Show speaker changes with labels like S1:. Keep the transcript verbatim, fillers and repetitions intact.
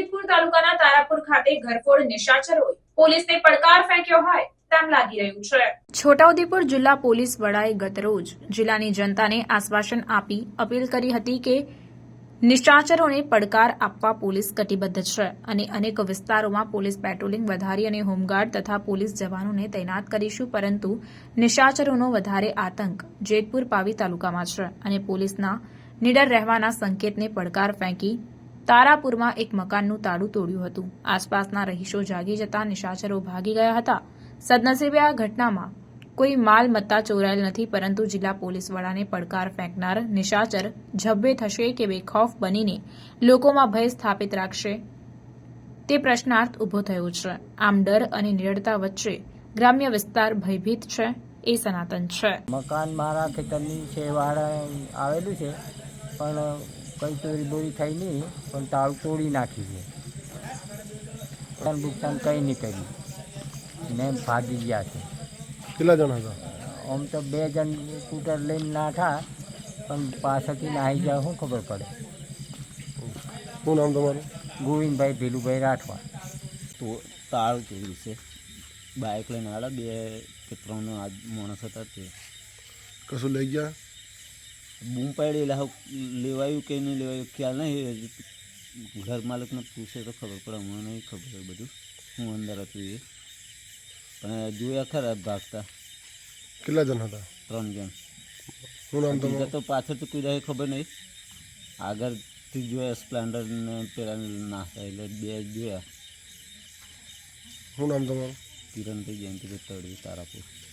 S1: જેતપુર તાલુકાના તારાપુર ખાતે ઘરફોડ નિશાચરોએ પોલીસને પડકાર ફેંક્યો હોય તેમ લાગી રહ્યું છે। છોટાઉદેપુર જિલ્લા પોલીસ વડાએ ગતરોજ જિલ્લાની જનતાને આશ્વાસન આપી અપીલ કરી હતી કે નિશાચરોને પડકાર આપવા પોલીસ કટિબદ્ધ છે અને અનેક વિસ્તારોમાં પોલીસ પેટ્રોલિંગ વધારી અને હોમગાર્ડ તથા પોલીસ જવાનોને તૈનાત કરીશું, પરંતુ નિશાચરોનો વધારે આતંક જેતપુર પાવી તાલુકામાં છે અને પોલીસના નીડર રહેવાના સંકેતને પડકાર ફેંકી તારાપુરમાં એક મકાનનું તાળું તોડ્યું હતું। આસપાસના રહીશો જાગી જતા નિશાચરો ભાગી ગયા હતા। સદનસીબે આ ઘટનામાં કોઈ માલ મત્તા ચોરાયેલ નથી, પરંતુ જિલ્લા પોલીસ વડાને પડકાર ફેંકનાર નિશાચર ઝબ્બે થશે કે બેખૌફ બનીને લોકોમાં ભય સ્થાપિત રાખશે તે પ્રશ્નાર્થ ઉભો થયો છે। આમ ડર અને નિડરતા વચ્ચે ગ્રામ્ય વિસ્તાર ભયભીત છે એ સનાતન છે।
S2: મકાન મારા ખેતરની છેવાડે આવેલું છે, પણ કઈ ચોરી બોરી થઈ નહીં, પણ તાળું તોડી નાખી છે। નુકસાન કંઈ નહીં કર્યું ને ભાગી ગયા છે।
S3: કેટલા જણા હતા?
S2: આમ તો બે જણ સ્કૂટર લઈને નાઠા, પણ પાછળથી નાહી જાય શું ખબર પડે।
S3: શું નામ તમારું?
S2: ગોવિંદભાઈ ભીલુભાઈ રાઠવા।
S4: તો તાળું તોડ્યું છે, બાઇક લઈને આવ્યા બે કે ત્રણ આજ માણસ હતા તે
S3: કશું લઈ ગયા?
S4: બૂમ પાડી એટલે લેવાયું કે નહીં લેવાયું ખ્યાલ નહીં, ઘર માલિકને પૂછે તો ખબર પડે, મને નહીં ખબર બધું હું અંદર હતું એ, પણ જોયા ખરા ભાગતા।
S3: કેટલા જણ હતા?
S4: ત્રણ જણ।
S3: શું નામ તમારું?
S4: તો પાછળથી કોઈ રહે ખબર નહીં, આગળથી જોયા સ્પ્લેન્ડર ને પેલા નાસ્તા એટલે બે જોયા।
S3: શું નામ તમારું?
S4: કિરણભાઈ જયંતિભાઈ તળવી તારાપુર।